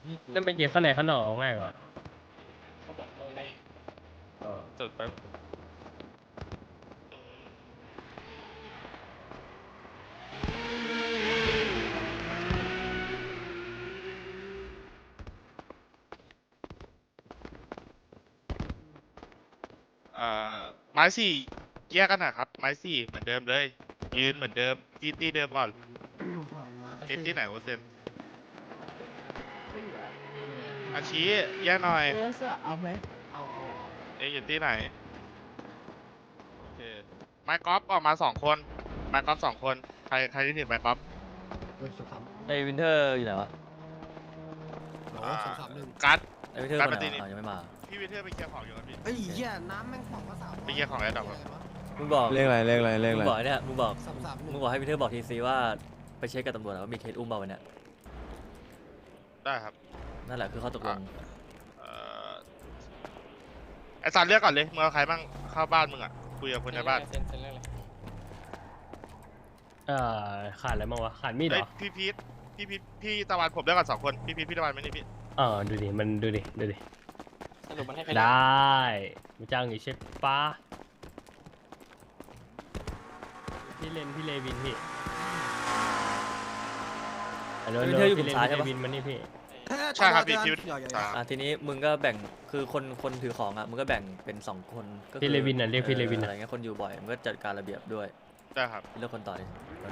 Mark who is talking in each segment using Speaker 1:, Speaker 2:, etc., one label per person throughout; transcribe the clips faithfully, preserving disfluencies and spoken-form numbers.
Speaker 1: นั่นเป็นเกมข้างในข้างนอกง่ายกว่า
Speaker 2: จุดแป๊บอ่าไม้สี่แยกกันนะครับไม้สี่เหมือนเดิมเลยยืนเหมือนเดิมตีตีเดิมก่อนเอฟที่ไหนวะเซนอาชีแยกหน่อยเอาไหมเอาเอ๊ะอยู่ที่ไหนโอเคไม้กอล์ฟออกมาสองคนไม้กอล์ฟสองคนใครใครที่ถือไม้กอล์ฟ
Speaker 3: ไอ้วินเทอร์อยู่ไหนวะ
Speaker 2: อ่ากัด
Speaker 3: ไอ้วินเทอร์
Speaker 2: การ
Speaker 3: ไป
Speaker 2: ป
Speaker 3: ไหน
Speaker 2: ฏิทิน
Speaker 3: วะอ๋อยังไม่มา
Speaker 2: พี่วิเทอร์ไปเคลียร์ของอยู่ครับพี่
Speaker 4: ไอ้เหี้ยน้ำแม่งของภาษา
Speaker 2: ไปเคลียร์ของแล้วดับ
Speaker 3: มึงบอก
Speaker 5: เลขอะไรเลขอะไรเลข
Speaker 3: มึ
Speaker 5: อะ
Speaker 3: ง
Speaker 5: ไร
Speaker 3: บอกเนี่ยมึงบอก
Speaker 4: สามสามหนึ่
Speaker 3: มึ
Speaker 4: ง
Speaker 3: งบอกให้วินเทอร์บอกทีซีว่าไปเช็คกับตำรวจว่ามีเคสอุ้มเปล่าวันเนี้ย
Speaker 2: ได้ครับ
Speaker 3: นั่นแหละคือข้อตกลง
Speaker 2: เอ่อไอซันเลือกก่อนเลยมึงเอาใครบ้างเข้าบ้านมึงอ่ะคุยกับคนในบ้าน
Speaker 1: เอ่อขาดอะไรบ้างวะขาดมีดเหร
Speaker 2: เฮ้ย
Speaker 1: อ
Speaker 2: พี่พีทพี่พีทพี่ตะวันผมเลือกก่อนสองคนพี่พีทพี่ตะวันไม่นี่พี่
Speaker 1: เออดูดิมันดูดิดูดิ
Speaker 6: สรุปมันให้ใคร
Speaker 1: ได้มีจ้างอยู่ใช่ปะพี่เลนพี่เลวินพี่ฮัลโหล
Speaker 3: วินเทอร์อยู่
Speaker 1: พี่เลน
Speaker 3: กลุ่มซ้าย
Speaker 1: พี่
Speaker 3: ใช่
Speaker 1: เล
Speaker 3: ปะ
Speaker 1: วินมานี่พี่
Speaker 2: ใช่ครับพี่พีท
Speaker 4: อย่าอย่า
Speaker 2: อ่า
Speaker 3: อ่ะทีนี้มึงก็แบ่งคือคนคนถือของอ่ะมึงก็แบ่งเป็นสองคนก็คือ
Speaker 1: พี่เลวินน่ะเรียกพี่เลวิน
Speaker 3: ออ
Speaker 1: น่ะ
Speaker 3: อะไรเงี้ยคนอยู่บ่อยมึงก็จัดการระเบียบด้วย
Speaker 2: ได้ครับ
Speaker 3: เลือกคนต่อดิ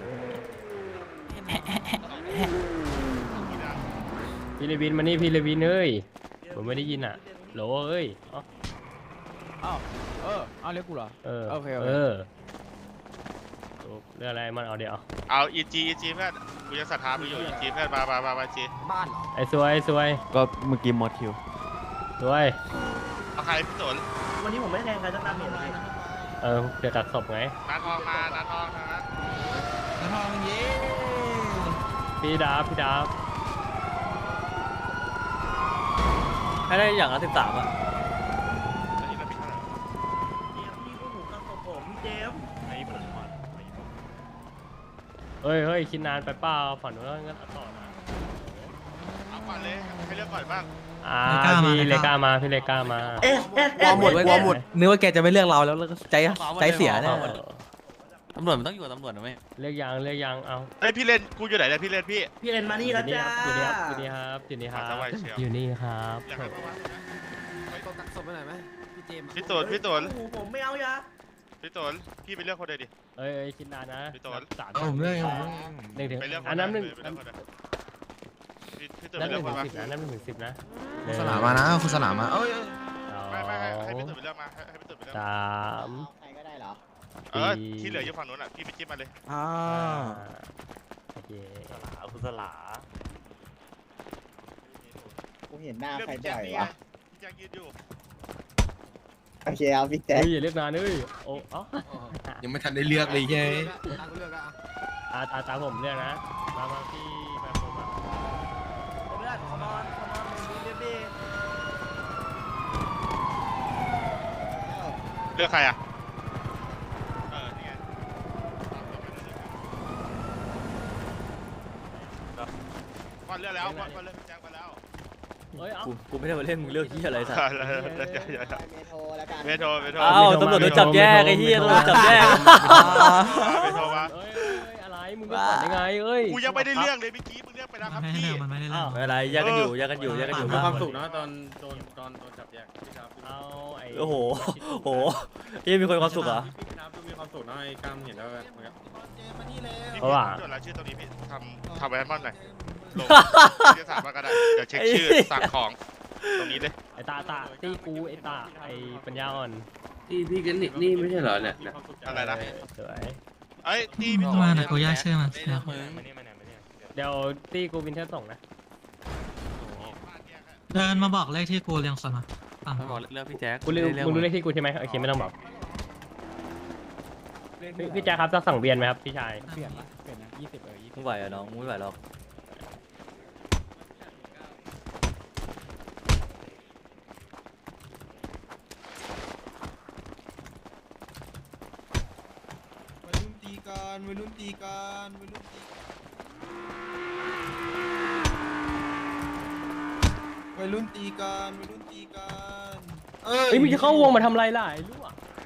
Speaker 1: พี่เลวินมานี่พี่เลวินเอ้ยผมไม่ได้ยินอ่ะโหลเอ้ยอ๋อ
Speaker 5: อ้าวเออเอาเรียกกูเหรอ
Speaker 1: เออ
Speaker 5: โอเคโอเค
Speaker 1: เออเรื่องอะไรมันเอาเดี๋ยวเอา
Speaker 2: เอาอีจีอีจีเพื่อนกูจะศรัทธามึงอยู่อีจีเพื่อนมามามามาจี
Speaker 4: บ้านเหรอ
Speaker 1: ไอ้สวยไอ้สวย
Speaker 5: ก็เมื่อกี้มอดคิว
Speaker 1: สวย
Speaker 2: เอาใครพี่สน
Speaker 6: วันนี้ผมไม่แทงใครสักตามเหตุเลย
Speaker 1: เออเดี๋ยวตัดศพไง
Speaker 2: นาทองมานาทองนะ
Speaker 4: ทองเย้
Speaker 1: พี่ดาบพี่ดาบ
Speaker 3: ให้ได้อย่างละสิบสามอ่ะ
Speaker 2: อันนี้เราพี่เท่าไหร่
Speaker 6: พี่ก็หูกับผมพี่เจมส์
Speaker 1: เฮ้ยเฮ้ยคิดนานไปเปล่าฝันว่างั้นต่อนะ
Speaker 2: เอาก่อนเลยให้เลือกก่อนบ้าง
Speaker 1: อ่าพี่เลก้ามาพี่เลก้ามา
Speaker 6: เอ๊ะเอ๊ะ
Speaker 4: กลัวหมดกลัวหมด
Speaker 5: นึกว่าแกจะไม่เลือกเราแล้วแล้วก็ใจใจเสียเนี่ย
Speaker 1: เออ
Speaker 3: ตำรวจมันต้องอยู่กับตำรวจนะไหม
Speaker 1: เลือกยังเลือกยังเอา
Speaker 2: เฮ้ยพี่เล่นกูอยู่ไหนเนี่ยพี่เล่นพี่
Speaker 6: พี่เรนมานี่แล้วจ้า
Speaker 1: อยู่นี่ครับอยู่นี่ครับอยู่นี่ครับ
Speaker 2: มาสบายเชียว
Speaker 1: อยู่นี่ครับ
Speaker 2: อยากให้ประวัตินะ
Speaker 4: ไปตัวตักศพไปหน่อยไหมพี่เจมส์
Speaker 2: พี่ตนพี่ตน
Speaker 6: โอ้โหผมไม่เอายา
Speaker 2: พี่ตนพี่ไปเลือกคนเดียวดิ
Speaker 1: เอ้ยเอ้ยคิดนานนะ
Speaker 2: พี่ต้น
Speaker 1: สาม
Speaker 5: ผมเลือกผมเลือก
Speaker 1: หนึ่งถึง
Speaker 2: ไปเลือกคน
Speaker 1: อันนั้นหนึ่ง
Speaker 2: ไปเลือกคนเดียวพี่พี่ตน
Speaker 1: นั
Speaker 2: ไป
Speaker 1: บห
Speaker 2: เลื
Speaker 1: นึ่
Speaker 2: อก
Speaker 1: ง
Speaker 2: คน
Speaker 1: ถึ
Speaker 2: มาง
Speaker 1: สิบนะนับหนึ่งถึงสิบนะ
Speaker 5: คุณสลามมานะคุณสลามมาเอ้ย
Speaker 2: ไม่ไม่ให้ให้พี่ตนไปเลือกมาให้ให้พี่ตนไปเลือก
Speaker 1: ส
Speaker 2: มา
Speaker 1: าม
Speaker 6: ใครก็ได้เหรอ
Speaker 2: เออที่เหลืออยู่ฝั่งนู้นอ่ะพี่ไปจิ้มมาเลย
Speaker 5: อ่า
Speaker 1: โอเค
Speaker 3: คุณสลา
Speaker 7: กูเห็นหน้า
Speaker 2: เลือก
Speaker 7: ใคร
Speaker 2: พี่แจ็
Speaker 7: บ่
Speaker 2: ค
Speaker 7: อย
Speaker 2: นี่ไง
Speaker 7: วะ
Speaker 2: พี่แจ็คยืนอยู่
Speaker 7: โอเคเอาพี่แจ๊ค
Speaker 1: เฮ้ยอย่าเลือกนานเอ้ยโอ้อ๋อ
Speaker 5: ยังไม่ทันได้เลือกเลยใช่ไหม
Speaker 4: ตังค์เลือกอะ
Speaker 1: อาตาตาผมเลือกนะมามาพี่ไปผมมา
Speaker 6: ผมไม่ได้ขอนอนขอนอนมึงเรียบดี
Speaker 2: เลือกใครอ่ะเออนี่ไงก่อนเลือกแล้วก่อนก่อนเลือกพี่แจ็คมาแล้ว
Speaker 1: เฮ้ยเอ้า
Speaker 3: กูกูไม่ได้มาเล่นมึงเลือกที่อะไรสัก
Speaker 2: เลือกเลือกเลือกเลือก
Speaker 7: ไปเมโทรแล้วกัน
Speaker 2: เมโทรเมโทร
Speaker 3: อ้าวตำรวจโดนจับแยกไอ้เหี้ยตำรวจจับแยก
Speaker 2: เมโทรมา
Speaker 1: เอ้ยเอ้ยอะไรมึงก็ฝันได้ไงเอ้ย
Speaker 2: กูยังไม่ได้เลือกเลยเมื่อกี้มึงเลือกไปแล้วครับพี่
Speaker 1: อ้าว
Speaker 3: ไม่เป็นไรแยกกันอยู่แยกกันอยู่แยกกันอยู่
Speaker 8: มี
Speaker 3: บ้าง
Speaker 8: ความสุขนะตอนโดนตอนโดนจับแยกพี่ครับ
Speaker 1: เอาไอ้
Speaker 3: โอ้โหโอ้โหยังมีคนความสุขเหรอ
Speaker 8: พี่ครับมีความสุขนะไอ้กล้ามเห็นแล้วแบบ
Speaker 1: เพราะว่า
Speaker 2: จดรายชื่อตรงนี้พี่ทำทำไว้ให้มันหน่อยลงที่สามก็ได้เดี๋ยวเช็คชื่อสั่งของตรงนี้เลย
Speaker 1: ไอ้ตาตาตีกูไอ้ตาไอ้ปัญญาอ่อน
Speaker 8: พี่พี่กันนิกนี่ไม่ใช่เหรอเนี่ย
Speaker 2: อะไรนะ
Speaker 1: เออสวย
Speaker 2: เอ้ยตีพี่
Speaker 9: มาเดี๋ยวกูแยกชื่อมัน
Speaker 1: เดี๋ยวตีกูวินเทอร์ส่งนะ
Speaker 9: เดินมาบอกเลขที่กูเรียงส่วนมาฟัง
Speaker 3: ไม่บอกเลือกพี่แจ็ค
Speaker 1: กูรู้มึงรู้เลขที่กูใช่ไหมโอเคไม่ต้องบอกพี่พี่แจ๊คครับจะสั่งเบียนไหมครับพี่ชาย
Speaker 9: เปลี่ยนละ
Speaker 3: มึงไหวเหรอน้องมึงไม่ไหวหรอก
Speaker 4: วัยรุ่นตีกันวัยรุ่นตีกันวัยรุ่นตีรุ่นตีกันวัยรุ่นตีกัน
Speaker 1: เฮ้ยมึงจะเข้าวงมาทำไรล่ะไอ้ลูก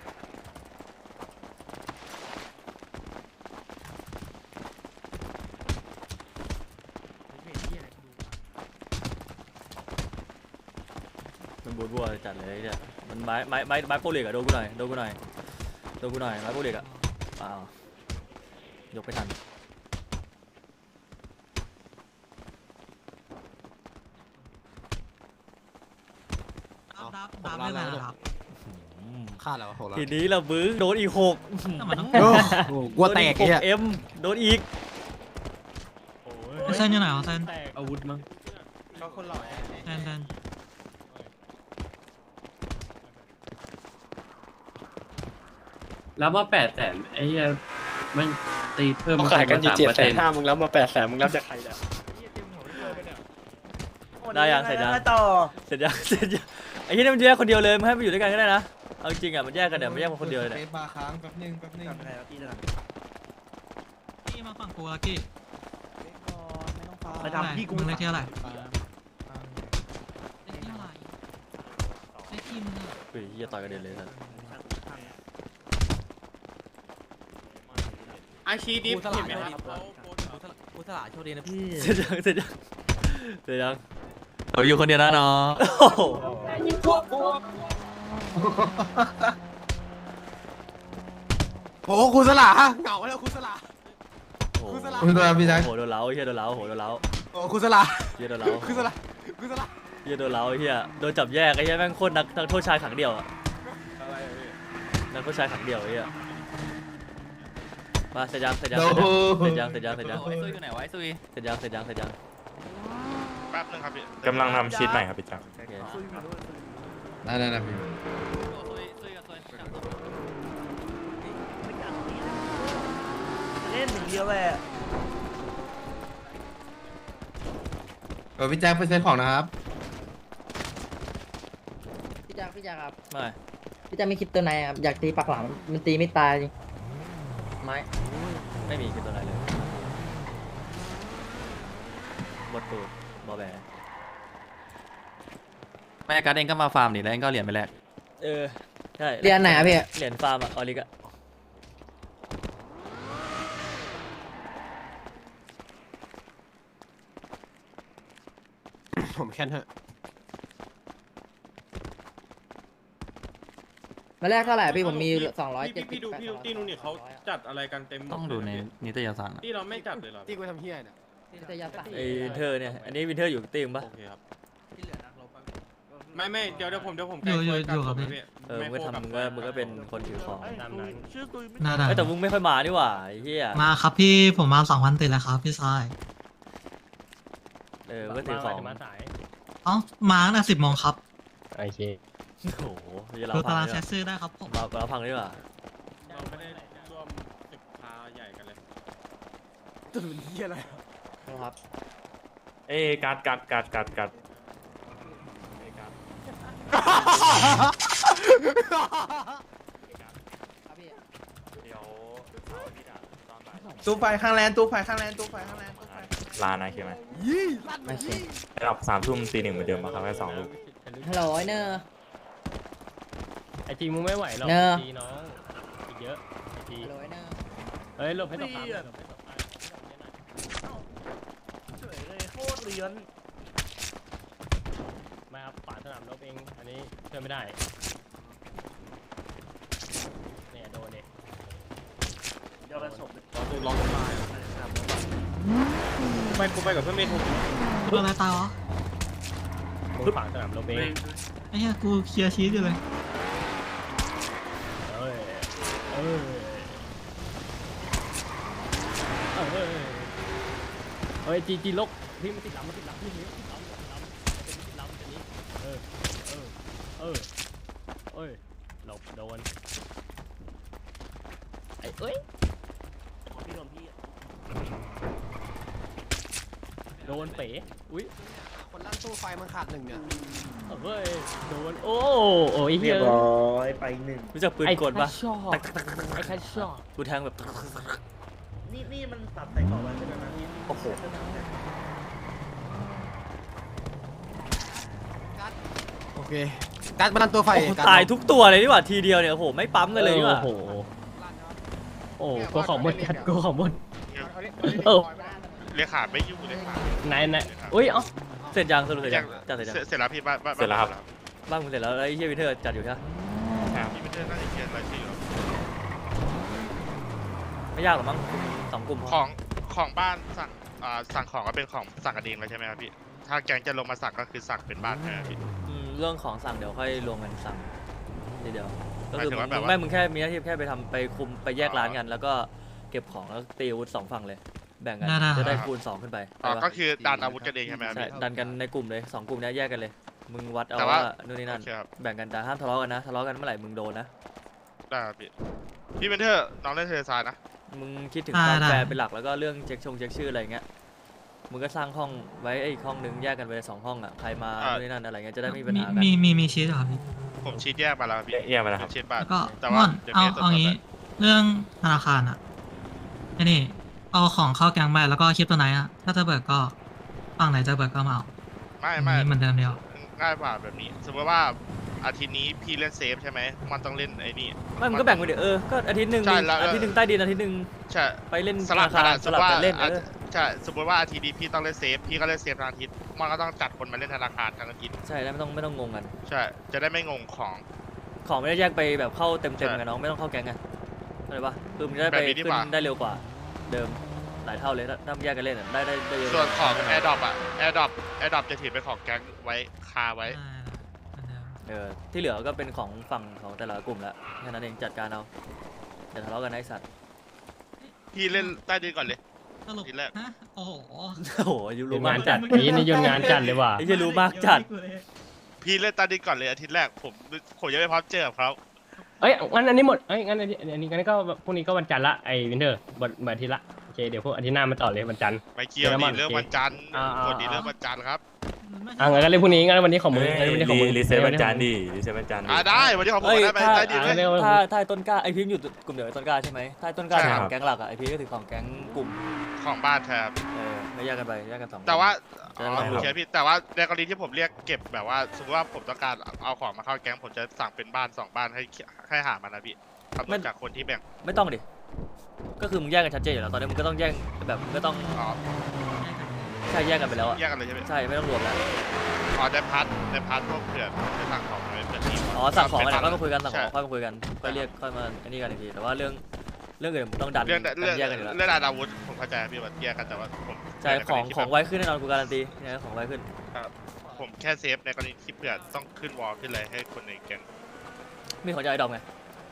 Speaker 3: มันบูดบัวจัดเลยเนี่ยมันไม้ไม้ไม้ไม้โปรเล็กอะโดนกูหน่อยโดนกูหน่อยโดนกูหน่อยไม้โปรเล็กอะอ้าวยกไปทัน
Speaker 9: ดับดับดับได้เลยครับ
Speaker 4: ฆ่าแล้วหกแล้ว
Speaker 3: ทีนี้เราบึ้งโดนอีกหก
Speaker 9: ทำไมต้อง
Speaker 4: โอ้โหกลัวแตก
Speaker 3: โดนอี
Speaker 4: เนี่ย
Speaker 3: หเอ็มโดนอีก
Speaker 9: เส้นอยู่ไหนวะเส้น
Speaker 1: อาวุธมั้ง
Speaker 8: ก็คนหล่อ
Speaker 9: เส้นเส้น
Speaker 8: แล้วว่าแปดแสนไอ้เหี้ยมันตีเพิ่ม
Speaker 10: เขาขายกันอยู่เจ็ดแสนห้า
Speaker 8: มึงแล้วมาแปดแสนมึงรับจากใครเนี่ย
Speaker 3: ได้ยังเสร็จยัง
Speaker 6: ต่อ
Speaker 3: เสร็จยังเสร็จยังไอ้ที่นี่มันแยกคนเดียวเลยมันให้มันอยู่ด้วยกันก็ได้นะเอาจริงๆอะมันแยกกันเนี่ยมันแยกมาคนเดียวเลย
Speaker 4: เฟ
Speaker 3: เนี่ย
Speaker 4: ซบาร์ค้างแป๊บนึงแป๊บนึง
Speaker 6: กลับไปไหนแล้วพี่เดิน
Speaker 9: กี้มาฝั่งกูลักกี้
Speaker 6: ไปทำพี่กู
Speaker 9: มึงเลขที่เท่าไหร่เลขที่เท่าไหร่เลขที่มึงอะ
Speaker 3: เฮ้ยเหี้ยต่อยกันเด็นเลยนะ
Speaker 8: อาชีดิฟเห็นไหมครับ
Speaker 5: กูสละโชคดีนะพี่
Speaker 3: เสร็จยังเสร็จยังเสร็จยัง
Speaker 5: เราอยู่คนเดียวนะน้อง
Speaker 3: โอ้โห
Speaker 4: โอ้โหครูสละเหงาแล้วครูสละ
Speaker 3: โอ้โห
Speaker 4: คุณสลา
Speaker 5: คุณตัวพี่ชาย
Speaker 3: โอ้โหโดนเล้าเฮียโดนเล้าโอ้โหโดนเล้า
Speaker 4: โอ้ครูสละ
Speaker 3: เฮียโดนเล้า
Speaker 4: ครูสละครูสละ
Speaker 3: เฮียโดนเล้าเฮียโดนจับแยกไอ้เฮียแม่งโคตรนักนักโทษชายขังเดี่ยวอะนักโทษชายขังเดี่ยวไอ้เฮียมาเสร็จยังเสร็จยังเสร็จยังเสร็จยังเสร็จยังเสร็จยัง
Speaker 5: ซุยอยู่ไหนวะซุย
Speaker 3: เสร็จยังเสร็จยังเสร็จยัง
Speaker 2: แป๊บนึงครับพี่
Speaker 10: กำลังทำชีตใหม่ครับพี่จักร
Speaker 3: โอเค
Speaker 5: ได้ได้ได้พี่
Speaker 6: เล่นอย่างเดียวแหละ
Speaker 5: เออพี่แจ็คไปเซ็นของนะครับ
Speaker 7: พี่จักพี่จักครับ
Speaker 3: ไม่
Speaker 7: พี่จักไม่คิดตัวไหนครับอยากตีปักหลังมันตีไม่ตายจริงไม้
Speaker 3: ไม่มีคือตัวไหนเลยบดตูดบอแบ
Speaker 5: แม่การ์ดเองก็มาฟาร์มนี่แล้วเองก็เหรียญไปแลก
Speaker 3: เออใช่
Speaker 7: เรียนไหนอะพี่
Speaker 3: เหรียญฟาร์มอะออริกอะ
Speaker 4: ผมแค่นั้น
Speaker 7: มาแรกเท่าไหร่พี่ผมมีสองร้อยเจ็ดสิ
Speaker 8: พี่
Speaker 7: บ
Speaker 8: ดูพี่ดูที่นู่นนี่เขาจัดอะไรกันเต็มหมด
Speaker 5: ต้องดูในนิตยสาร
Speaker 8: ที่เราไม่จัดเลยเหรอ
Speaker 4: ตีกูทำเฮี้ยเนี่ย
Speaker 7: วิทยาศาสตร์
Speaker 3: ไอวินเทอร์เนี่ยอันนี้วินเทอร์อยู่ตีมปะ
Speaker 8: โอเคครับ
Speaker 6: ที่เหลือนักรบอะ
Speaker 8: ไม่ไม่เดี๋ยวเดี๋ยวผมเดี๋ยวผม
Speaker 9: อยู่อยู่
Speaker 8: แก้
Speaker 9: อยู่
Speaker 8: ตัว
Speaker 9: กับ
Speaker 8: กั
Speaker 9: พี่
Speaker 3: เออมึงก็ทำมึงก็มึงก็เป็นคนถือของ
Speaker 1: ตามนั้น
Speaker 6: ชื่อตุยไม่
Speaker 9: น่าได้
Speaker 3: เอ้ยแต่มึงไม่ค่อยมานี่หว่าไอ้เหี้ย
Speaker 9: มาครับพี่ผมมาสองวันติดแล้วครับพี่ชาย
Speaker 3: เออมึงก็ถือของ
Speaker 1: จะมาสาย
Speaker 9: เอ้ามาตั้งแต่สิบโมงครับ
Speaker 1: โอเค
Speaker 3: โอ้โหจะ
Speaker 9: ดู
Speaker 3: เราพั
Speaker 9: ตาง ราง
Speaker 3: ดี
Speaker 9: แช
Speaker 3: ก
Speaker 9: ทซื้อได้ครับผม
Speaker 3: ว่าเราเราพังดีกว่า
Speaker 8: เราไม่ได้ร่วมศึกพาใหญ่กันเลย
Speaker 4: ตื่นเฮี้ยอะไร
Speaker 7: ครับ
Speaker 10: เอ้ยการ์ดการ์ดการ์ดการ์ดการ์ด
Speaker 7: ครับพี่
Speaker 10: เดี๋ยวเสาร์อาทิตย์อะตอนบ่าย
Speaker 6: ตู้ไฟข้างแลนตู้ไฟข้างแลนตู้ไฟข้างแลนตู้ไฟ
Speaker 10: ลานะใช่ไหม
Speaker 4: ยี่ลั่น
Speaker 7: ไม่ใช่
Speaker 10: ระดับสามทุ่มตีหนึ่งเหมือนเดิมมาครับแค่สองลูก
Speaker 7: ฮัลโหลไอ้เนอร์
Speaker 1: ไอจีมึงไม่ไหวหรอก
Speaker 7: เนอะ
Speaker 1: จีน้องอีกเยอะไอจี
Speaker 7: ฮัลโหลไอ้เนอร์
Speaker 1: เฮ้ยหลบให้ตกปั๊มหน่อยหลบให้ตกปั๊ม
Speaker 6: เฉยเลยโคตรเลี้ยน
Speaker 1: ไม่ครับฝาสนามรบเองอันนี้ช่วยไม่ได้เนี่ยโดนเนี่ย
Speaker 6: เดี๋ยวไปส่ง
Speaker 8: เราดูร้องกันมาไปกูไปกับเพื่อนเมย์ถูก
Speaker 9: ตัวอะไรตายวะ
Speaker 1: มึงฝาสนามรบเอง
Speaker 9: ไอ้เหี้ยกูเคลียร์ชีสอยู่เลย
Speaker 1: เอ้ยเอ้ยเอ้ยเฮ้ยจีจีลกพี่มันติดลำมันติดลำพี่มันติดลำมันติดลำมันติดลำตัวนี้เออเออเออเอ้ยหลบโดนไอ้เอ้ย
Speaker 6: พี่โดนพี่
Speaker 1: โดนเป๋อุ้ย
Speaker 4: คนลั่นตู้ไฟมันขาดหนึ่งเนี่ย
Speaker 1: เฮ้ยโดนโอ้โอ้ยเฮี
Speaker 6: เรีย
Speaker 1: ย
Speaker 6: บร้อยไปหนึ่ง
Speaker 3: รู้จักปืนกลปะ
Speaker 1: ชอบไอ้แค่ชอบ
Speaker 3: กูแทงแบบ
Speaker 6: นี่นี่มันตัดใส่กรอบไว้ใช่ไหมนะพี่
Speaker 3: โอ้โห
Speaker 4: เคการบันดาลตัวไฟ
Speaker 3: โอ้โห
Speaker 4: การ
Speaker 3: ตายทุกตัวเลยดีกว่าทีเดียวเนี่ยโอ้โหไม่ปั๊มกันเลยดีกว่า
Speaker 1: โอ้โหโอ้โหกูของหมดกัดกูของหมดเออ
Speaker 2: เรียกขาดไม่อยู่เลยขาด
Speaker 1: ไหนไหนอุ้ยเอ้า
Speaker 3: เสร็จยังสรุปเสร็จยังจัดเสร็จยัง
Speaker 2: เสร็จแล้วพี่บ้านบ้าน
Speaker 10: เสร็จแล้วครับ
Speaker 3: บ้านมึงเสร็จแล้วแล้วไอ้เฮียวินเทอร์จัดอยู่ใช่ไหม
Speaker 2: พี่ไม่ได้น่าจะเขียนรายชื่อ
Speaker 3: ไม่ยากหรอกมั้งสองกลุ่มพ
Speaker 2: ข
Speaker 3: อ
Speaker 2: องของบ้านสั่งอ่าสั่งของก็เป็นของสั่งกันเองเลยใช่ไหมครับพี่ถ้าแกงจะลงมาสั่งก็คือสั่งเป็นบ้านใช่ไหมพี่
Speaker 3: อืมเรื่องของสั่งเดี๋ยวค่อยรวมกันสั่งทีเดียวก็
Speaker 2: หมาย
Speaker 3: คือ
Speaker 2: ถึง
Speaker 3: มึ
Speaker 2: ว่าง แบบว่า
Speaker 3: ไม่มึงแค่มีหน้าที่แค่ไปทำไปคุมไปแยกร้านกัน แล้วก็เก็บของแล้วตีอาวุธสองฝั่งเลย แบ่งกันจะได้คูณสองขึ้นไป
Speaker 2: อ๋อ
Speaker 3: ได้ปะ
Speaker 2: ก็คือดันอาวุธกันเองใช่ไหมครับ
Speaker 3: ใช่
Speaker 2: พี่
Speaker 3: ดันกันในกลุ่มเลยสองกลุ่มเนี้ยแยกกันเลย มึงวัดเอา
Speaker 2: แต่ว่า
Speaker 3: ว่านู่นนี่นั่น
Speaker 2: โอเคครับ
Speaker 3: แบ่งกันแต่ห้ามทะเลาะกันนะทะเลาะกันเมื่อไหร่มึงโดนนะ
Speaker 2: ได้ครับพี่พี่เมนเทอร์น้องเล่นเทเลซายนะ
Speaker 3: มึงคิดถึงความแฟร์เป็นหลักแล้วก็เรื่องเช็คชงเช็คชื่ออะไรเงี้ยมึงก็สร้างห้องไว้ไอ้อีกห้องนึงแยกกันไปเลยสองห้องอ่ะใครมานู่นนี่นั่นอะไรเงี้ยจะได้ไม่มีปัญ
Speaker 9: มี
Speaker 3: หากัน
Speaker 9: มีมีมีชีสเหรอพี่
Speaker 2: ผมชี้แยกมาแล้วครับพี่
Speaker 10: แยกไปแล้วครับ
Speaker 2: ชี้บ้าน
Speaker 9: แล้วก็
Speaker 2: แต่
Speaker 9: ม่
Speaker 2: ว่า
Speaker 9: อน
Speaker 2: เดี๋ยว
Speaker 9: เอา
Speaker 2: พี่จะตรวจ
Speaker 9: เอา
Speaker 2: สอบ
Speaker 9: งี้
Speaker 2: ให้
Speaker 9: เรื่องธนาคารอ่ะไอ้นี่เอาของเข้าแกงไปแล้วก็คลิปตัวไหนอ่ะถ้าจะเบิกก็ฝั่งไหนจะเบิกก็มาเอา
Speaker 2: ไม่
Speaker 9: อัน
Speaker 2: ไม่
Speaker 9: นี้เหมือนเดิมเดียว
Speaker 2: ง่ายกว่าแบบนี้ สมมติว่าอาทิตย์นี้พี่เล่นเซฟใช่ไหมมันต้องเล่นไอ้นี่
Speaker 3: ไม่มึงก็แบ่งไปเดี๋ยวเออก็อาทิตย์หนึ่ง
Speaker 2: ใช่แล้ว
Speaker 3: อาทิตย์หนึ่งใต้ดินอาทิตย์หนึ่ง
Speaker 2: ใช่
Speaker 3: ไปเล่น
Speaker 2: สลับ
Speaker 3: ธนาคาร
Speaker 2: ส
Speaker 3: ส
Speaker 2: มม
Speaker 3: ลับ
Speaker 2: ติว่า
Speaker 3: กันเล่นเอ
Speaker 2: อา
Speaker 3: อ
Speaker 2: ใช่สมมติว่าอาทิตย์นี้พี่ต้องเล่นเซฟพี่ก็เล่นเซฟทางอาทิตย์มันก็ต้องจัดคนมาเล่นธนาคารทางอาทิตย์
Speaker 3: ใช่แล้วไม่ต้องไม่ต้องงงกัน
Speaker 2: ใช่ จะได้ไม่งงของ
Speaker 3: ของไม่ได้แยกไปแบบเข้าเต็ม
Speaker 2: ใช่
Speaker 3: ๆกันน้องไม่ต้องเข้าแก๊งไงเข้าใจปะคือมึงจะได้ไป
Speaker 2: แบบนี้ดี
Speaker 3: ขึ้
Speaker 2: กว่า
Speaker 3: นได้เร็วกว่าเดิมหลายเท่าเลยถ้าถ้ามึงแยกกันเล่นอะได้ได้ได้เยอะ
Speaker 2: ส่วนของ
Speaker 3: ได้
Speaker 2: แอร์ดรอปอะแอร์ดรอปแอร์ดรอปจะถือเป็นของแก๊งไว้คาไว้
Speaker 9: เหมือนเดิม
Speaker 3: เออที่เหลือก็เป็นของฝั่งของแต่ละกลุ่มละแค่นั้นเองจัดการเอาอย่าทะเลาะกันนะไอ้สัตว์
Speaker 2: พี่เล่นใต้ดินก่อนเลย
Speaker 9: สรุป
Speaker 2: ทีแรก
Speaker 9: ฮะโอ้โห
Speaker 3: โอ้โหยู
Speaker 1: ยุ่
Speaker 3: รู้
Speaker 1: ง
Speaker 3: มาง
Speaker 1: าก น
Speaker 3: จั
Speaker 1: จั
Speaker 3: ด
Speaker 1: ดนี้นี่ยุ่งงานจัดเลยว่ะ
Speaker 3: ไอ้เหี้ยรู้มากจัด
Speaker 2: พี่เล่นใต้ดินก่อนเลยอาทิตย์แรกผมผมยังไม่พร้อมเจอกับเขา
Speaker 1: เอ้ยงั้นอันนี้หมดเอ้ยงั้นอันนี้อันนี้งั้นก็พรุ่งนี้ก็วันจันทร์ละไอ้วินเทอร์วันวันอาทิตย์ละโอเคเดี๋ยวพวกอาทิตย์หน้ามาต่อเลยวันจันทร์
Speaker 2: ไม่เกี่ยว
Speaker 1: เดี๋ยว
Speaker 2: ดี
Speaker 1: มัน
Speaker 2: เรื่องวันจันทร์
Speaker 1: อ่าอ่า
Speaker 2: คนดีเรื่องวันจันทร์ครับ
Speaker 1: อ่ะงั้นก็เล่นพรุ่งนี้งั้นวันนี้ของมึง
Speaker 10: เฮ้ย
Speaker 1: งั้นวันนี้ของมึง
Speaker 10: รีเซ็ตวันจันทร์ดิรีเซ็ตวันจันทร์ดิ
Speaker 2: อ่าได้วันนี้ของผม
Speaker 3: เอ้ย
Speaker 2: ได้ไป
Speaker 3: ถ้า
Speaker 2: ใต้ดิน
Speaker 1: อ่า
Speaker 2: เลย
Speaker 1: เดี๋ยว
Speaker 3: ถ้าถ้าต้นกล้าไอพิมพ์อยู่กลุ่มเดียวกับต้นกล้าใช่ไหมถ้าต้นกล้า
Speaker 2: ใช่
Speaker 3: ถือ
Speaker 2: ค
Speaker 3: ข
Speaker 2: รับ
Speaker 3: องแก๊งหลักอ่ะไอพีก็ถือของแก๊งกลุ่ม
Speaker 2: ของบ้านแทบ
Speaker 3: เออไม่แยกกันไปแยกกันสอง
Speaker 2: แต่ว่า
Speaker 3: จะ
Speaker 2: อ๋
Speaker 3: ได้
Speaker 2: อ
Speaker 3: ไม่
Speaker 2: โอ
Speaker 3: ต้อง
Speaker 2: เคพี่แต่ว่าในกรณีที่ผมเรียกเก็บแบบว่าสมมติว่าผมต้องการเอาของมาเข้าแก๊งผมจะสั่งเป็นบ้านสองบ้านให้ให้หามันนะพี่คำนวณจากคนที่แบ่ง
Speaker 3: ไม่ต้องดิก็คือมึงแยกกันชัดเจนอยู่แล้วตอนนี้มึงก็ต้องแยกแบบมึงก็ต้อง
Speaker 2: อ๋อ
Speaker 3: ใช่แยกกันไปแล้วอ่ะ
Speaker 2: แยกกันเลยใช่ไหม
Speaker 3: ใช่ไม่ต้องรวมแล้ว
Speaker 2: อ๋อในพาร์ทในพาร์ทพวกเผื่อจะสั่งของอะไรเผื่อทีม
Speaker 3: อ๋อสั่งของอะไร
Speaker 2: เป็
Speaker 3: ค่อยมาคุยกันสั่งข
Speaker 2: ใช่
Speaker 3: องค่อยมาคุยกันค่อยเรียกค่อยมาอันนี้กันอีกทีแต่ว่าเรื่องเรื่องอื่นมึงต้องดัน
Speaker 2: เรื่องเรื่อง
Speaker 3: แยกกันอยู่แล้ว
Speaker 2: เรื่องอาวุธผมเข้าใจพี่ว่าแยกกันแต่ว่าผม
Speaker 3: ใช่
Speaker 2: ในก
Speaker 3: ข
Speaker 2: ร
Speaker 3: อง
Speaker 2: ณีที่
Speaker 3: ของ
Speaker 2: แบบ
Speaker 3: ไว้ขึ้นแน่นอนกูการันตีเนี่ยของไว้ขึ้น
Speaker 2: ผมแค่เซฟในกรณีที่เผื่อต้องขึ้นวอลขึ้นอะไรให้คนในแก๊ง
Speaker 3: มีของยายดอมไง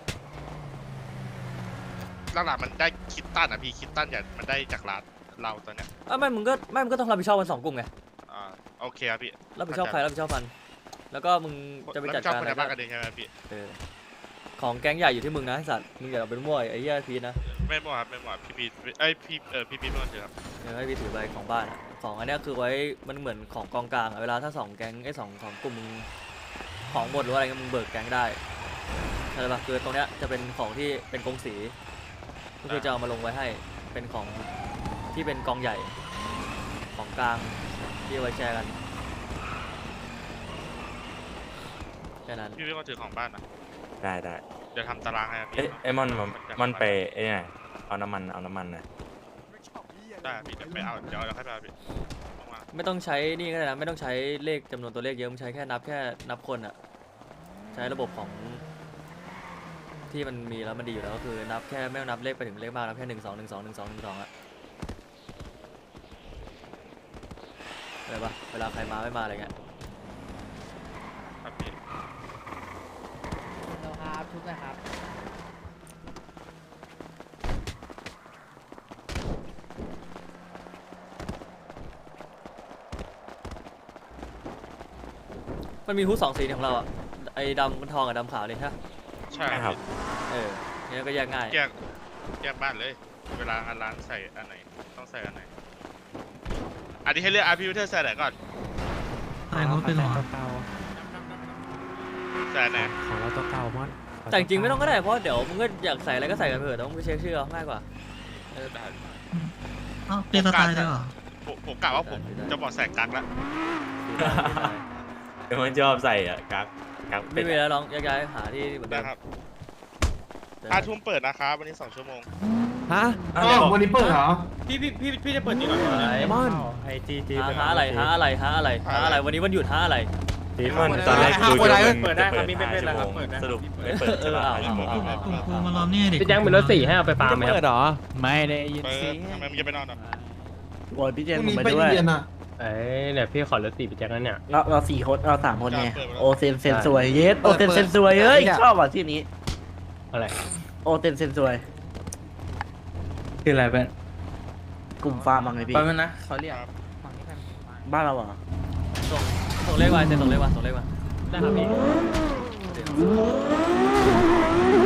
Speaker 2: หลักๆมันได้คิดตันอ่ะพี่คิดตันอย่างมันได้จากร้านเราตอนเนี้ย
Speaker 3: อ่ะไม่มึงก็ไม่มึงก็ต้องรับผิดชอบกันสองกลุ่มไง
Speaker 2: อ่าโอเคครับพี่
Speaker 3: รับผิดชอบใครรับผิดชอบมันแล้วก็มึงจะไปจัดการ
Speaker 2: คน
Speaker 3: อะ
Speaker 2: ใน
Speaker 3: ไร
Speaker 2: บ้า
Speaker 3: ก็
Speaker 2: นกันเองใช่ไหมพี่
Speaker 3: เออของแก๊งใหญ่อยู่ที่มึงนะไอ้สัตว์มึงอย่าเอาเป็นมั่วไอ้เหี้ยพีชนะ
Speaker 2: ไม่หมดครับไม่หมดพี่พีเอ้ยพี่เออพี่พีไม่ต้องถือครับ
Speaker 3: เดี๋ยวให้พี่ถือไปของบ้านอะของอันเนี้ยคือไว้มันเหมือนของกองกลางอะเวลาถ้าสองแก๊งไอ้สองของกลุ่มมึงของหมดหรือว่าอะไรเงี้ยมึงเบิกแก๊งได้ใช่ปะคือตรงเนี้ยจะเป็นของที่เป็นกองสีก็คือจะเอามาลงไว้ให้เป็นของที่เป็นกองใหญ่ของกลางที่เอาไว้แชร์กันแค่นั้น
Speaker 2: พี่ไม่ต้องถือของบ้านนะ
Speaker 10: ได้ได้
Speaker 2: เดี๋ยวทำตารางให้ครับพี่
Speaker 10: เอ้ยไอ้มอนมันมันไปไอ้เนี่ยเอาน้ำมันเอาน้ำมันหน่อย
Speaker 2: ได้พี่เดี๋ยวไปเอาเดี๋ยวเราค่อยไปเอาพี่ว่าง
Speaker 3: ไม่ต้องใช้นี่ก็ได้นะไม่ต้องใช้เลขจำนวนตัวเลขเยอะมึงใช้แค่นับแค่นับคนอะใช้ระบบของที่มันมีแล้วมันดีอยู่แล้วก็คือนับแค่ไม่ต้องนับเลขไปถึงเลขมากนับแค่หนึ่งสองหนึ่งสองหนึ่งสองหนึ่งสองอะอะไรปะเวลาใครมาไม่มาอะไรเงี้ย
Speaker 2: ๆครับพี่
Speaker 7: เราครับชุดนะครับ
Speaker 3: มันมีฮู้สองสีของเราอะไอ้ดำทองกับดำขาวเลยใช่ปะ
Speaker 2: ใช่
Speaker 10: ใช่
Speaker 2: ค
Speaker 10: ครั
Speaker 2: รับ
Speaker 10: บ
Speaker 3: เออเนี่ยก็แยกง่าย
Speaker 2: แยกแยกบ้านเลย เวลางานร้านใส่อันไหนต้องใส่อันไหนอันนี้ให้เลือกอาร์พีวิเทอร์ใส่ไหนก่อน
Speaker 9: ใส่เขาเป็นหรอ
Speaker 2: ใส่อันไหน
Speaker 8: ของเราตัวเก่ามอน
Speaker 3: แต่จริงๆไม่ต้องก็ได้เพราะเดี๋ยวมึงก็อยากใส่อะไรก็ใส่กันเถอะแต่ว่ามึงไปเช็คชื่อเอาง่ายกว่า
Speaker 2: เออได้
Speaker 9: อ้าวเป็นสไตล์ด้วยเหรอ
Speaker 2: ผมผมกะว่าผมจะบอกใส่กั๊กแล้ว
Speaker 3: สีได้สีได้
Speaker 10: เดี๋ยวมันชอบใส่อ่ะกักกักเป็
Speaker 3: ไม่
Speaker 10: ด
Speaker 3: มีแล้วน้องย้ายๆหาที่เหมือนเดิ
Speaker 2: ได้
Speaker 3: ม
Speaker 2: ครับ
Speaker 3: เจอ
Speaker 2: ห้า
Speaker 3: กัน
Speaker 2: ทุ่มเปิดนะครับวันนี้สองชั่วโมง
Speaker 4: ฮะ
Speaker 5: อ้าววันนี้เปิดเหรอ
Speaker 8: พี่พี่พี่พี่จะเปิดจริงเหรอ
Speaker 3: ไหน
Speaker 4: ไอมอน
Speaker 6: ไอจีจี
Speaker 3: หาหาอะไรหาอะไรหาอะไรหาอะไรวันนี้วันหยุดหาอะไร
Speaker 10: ทีมันตอนแรกดูอยู่มันจะเปิดห้าชั่วโมงสรุปไม่เปิดใช่ป่ะห้าชั่วโมง
Speaker 9: คุณครูมารอนี่ดิ
Speaker 1: พี่แจ้งเป็นรถสี่ให้เอาไปฟาร์มไหมค
Speaker 4: เปิ
Speaker 1: รับ
Speaker 4: ดเหรอ ไม่ได้ยิน
Speaker 2: เปิด
Speaker 4: เสียง
Speaker 2: ทำไมมึงจะไปนอนอ่ะ
Speaker 6: โอ้ยพี่เจ
Speaker 5: พ
Speaker 6: น
Speaker 5: รุ่ง
Speaker 6: ผม
Speaker 5: นี้
Speaker 6: ไป
Speaker 5: ไป
Speaker 6: ด้วย
Speaker 5: เรียนอ่ะ
Speaker 1: เอ้ยเนี่ยพี่ขอรถสี่พี่แจ้งแล้วเนี่ย
Speaker 6: เราเราสี่คนเราสามคนไงโอเซนเซนสวยเยสโอเซนเซนสวยเฮ้ยชอบอ่ะที่นี้
Speaker 1: อะไร
Speaker 6: โอเซนเซนสวยคืออะไรเป็นกลุ่มฟาร์มบ้างไงพี่
Speaker 4: แป๊บนึงนะเขาเรียก
Speaker 6: บ้านเราเหรอ
Speaker 3: ส่งส่งเลขมาเซ็นส่งเลขมาส่งเลขมา
Speaker 1: ได้ครับพี่
Speaker 3: เดี๋ยว